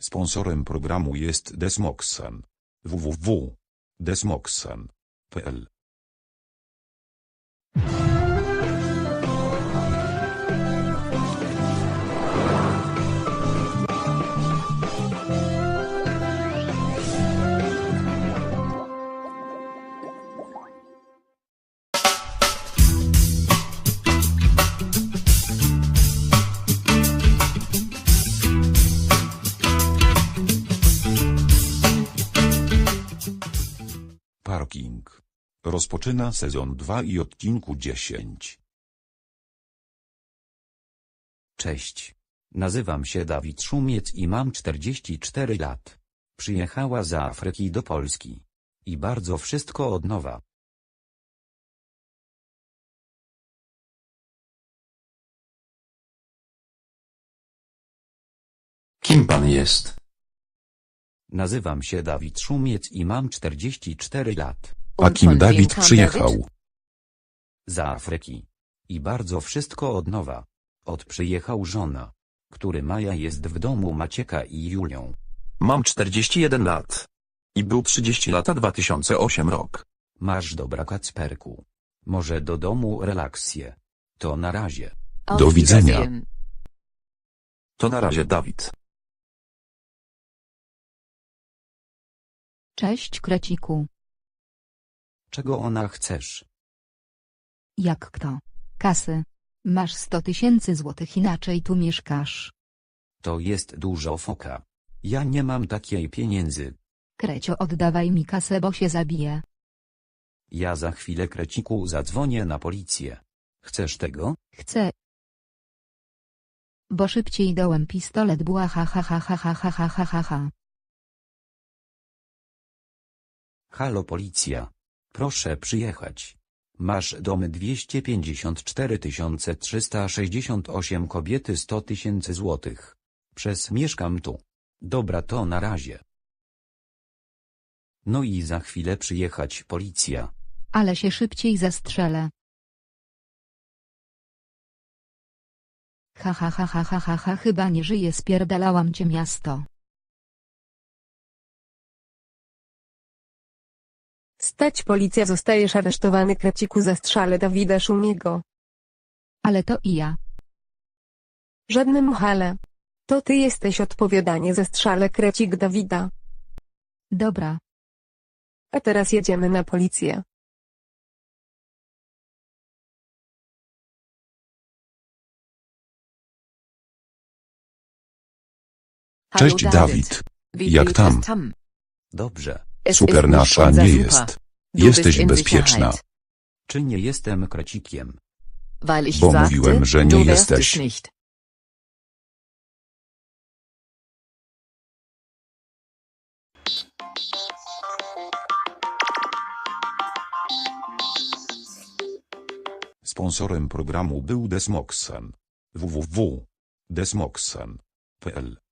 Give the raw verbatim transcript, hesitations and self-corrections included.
Sponsorem programu jest Desmoxan. w w w kropka desmoxan kropka p l Parking. Rozpoczyna sezon dwa i odcinku dziesięć. Cześć. Nazywam się Dawid Szumiec i mam czterdzieści cztery lat. Przyjechała z Afryki do Polski. I bardzo wszystko od nowa. Kim pan jest? Nazywam się Dawid Szumiec i mam czterdzieści cztery lat. A kim Dawid przyjechał? Z Afryki. I bardzo wszystko od nowa. Od przyjechał żona, który Maja jest w domu Macieka i Julią. Mam czterdzieści jeden lat. I był trzydzieści lata dwa tysiące ósmy rok. Masz dobra Kacperku. Może do domu relaksje. To na razie. Do widzenia. To na razie Dawid. Cześć Kreciku. Czego ona chcesz? Jak kto? Kasy. Masz sto tysięcy złotych inaczej tu mieszkasz. To jest dużo foka. Ja nie mam takiej pieniędzy. Krecio, oddawaj mi kasę, bo się zabiję. Ja za chwilę Kreciku zadzwonię na policję. Chcesz tego? Chcę. Bo szybciej dołem pistolet była ha ha ha ha ha ha ha ha ha ha. Halo policja. Proszę przyjechać. Masz dom dwieście pięćdziesiąt cztery tysiące trzysta sześćdziesiąt osiem kobiety sto tysięcy złotych. Przez mieszkam tu. Dobra, to na razie. No i za chwilę przyjechać policja. Ale się szybciej zastrzelę. Ha ha ha ha ha ha ha, chyba nie żyję, spierdalałam cię miasto. Stać, policja, zostajesz aresztowany, Kreciku, zastrzale Dawida Szumiego. Ale to i ja. Żadnym hale. To ty jesteś odpowiadanie, zastrzale Krecik Dawida. Dobra. A teraz jedziemy na policję. Cześć Dawid. Jak tam? Dobrze. Super, nasza nie jest. Jesteś bezpieczna. Czy nie jestem Krecikiem? Bo mówiłem, że nie jesteś. Sponsorem programu był Desmoxan. w w w kropka desmoxan kropka p l